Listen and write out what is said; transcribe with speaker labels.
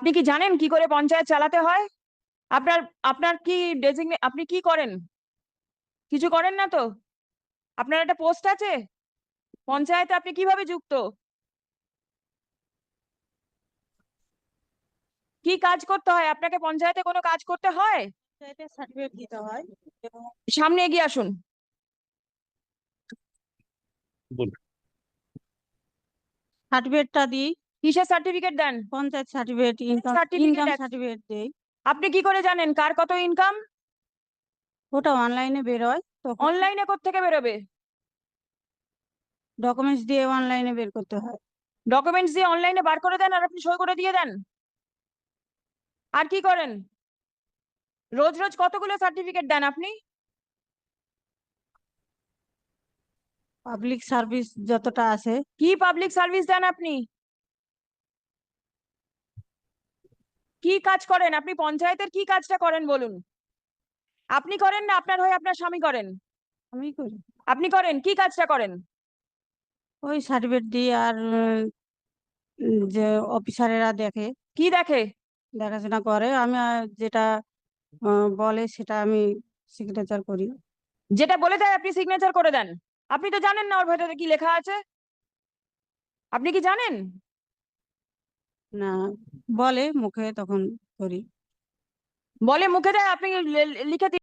Speaker 1: আপনি কি জানেন কি করে পঞ্চায়েত চালাতে হয়? আপনার আপনার কি আপনি কি করেন? কিছু করেন না তো? আপনার একটা পোস্ট আছে পঞ্চায়েতে, আপনি কিভাবে যুক্ত? কি কাজ করতে হয় আপনাকে? পঞ্চায়েতে কোনো কাজ করতে হয়?
Speaker 2: পঞ্চায়েতের সার্টিফিকেট দিতে হয় এবং
Speaker 1: সামনে এগিয়ে আসুন।
Speaker 3: বলুন।
Speaker 2: সার্টিফিকেটটা দিই।
Speaker 1: কিসের সার্টিফিকেট দেন?
Speaker 2: Panchayat certificate, income
Speaker 1: certificate
Speaker 2: certificate দেই।
Speaker 1: আপনি কি করে জানেন কার কত ইনকাম?
Speaker 2: ওটা অনলাইনে বেরোয়, তখন
Speaker 1: অনলাইনে কোত্থেকে বেরোবে?
Speaker 2: ডকুমেন্টস দিয়ে অনলাইনে বের করতে হয়।
Speaker 1: ডকুমেন্টস দিয়ে অনলাইনে বার করে দেন আর আপনি সই করে দিয়ে দেন? আর কি করেন? রোজ রোজ কতগুলো সার্টিফিকেট দেন আপনি?
Speaker 2: পাবলিক সার্ভিস যতটা আছে।
Speaker 1: কি পাবলিক সার্ভিস দেন আপনি? কি কাজ করেন আপনি? পঞ্চায়েতের কি কাজটা করেন বলুন? আপনি করেন না আপনার হয়ে আপনার স্বামী করেন?
Speaker 2: আমি করি।
Speaker 1: আপনি করেন, কি কাজটা করেন?
Speaker 2: ওই সার্টিফিকেট দিই, আর যে অফিসারেরা দেখে,
Speaker 1: কি দেখে?
Speaker 2: দেখাশোনা করে। আমি যেটা বলে সেটা আমি সিগনেচার করি।
Speaker 1: যেটা বলে দেয় আপনি সিগনেচার করে দেন? আপনি তো জানেন না ওর ভেতরে কি লেখা আছে। আপনি কি জানেন?
Speaker 2: না, বলে মুখে, তখন করি।
Speaker 1: বলে মুখে দেয়, আপনি লিখে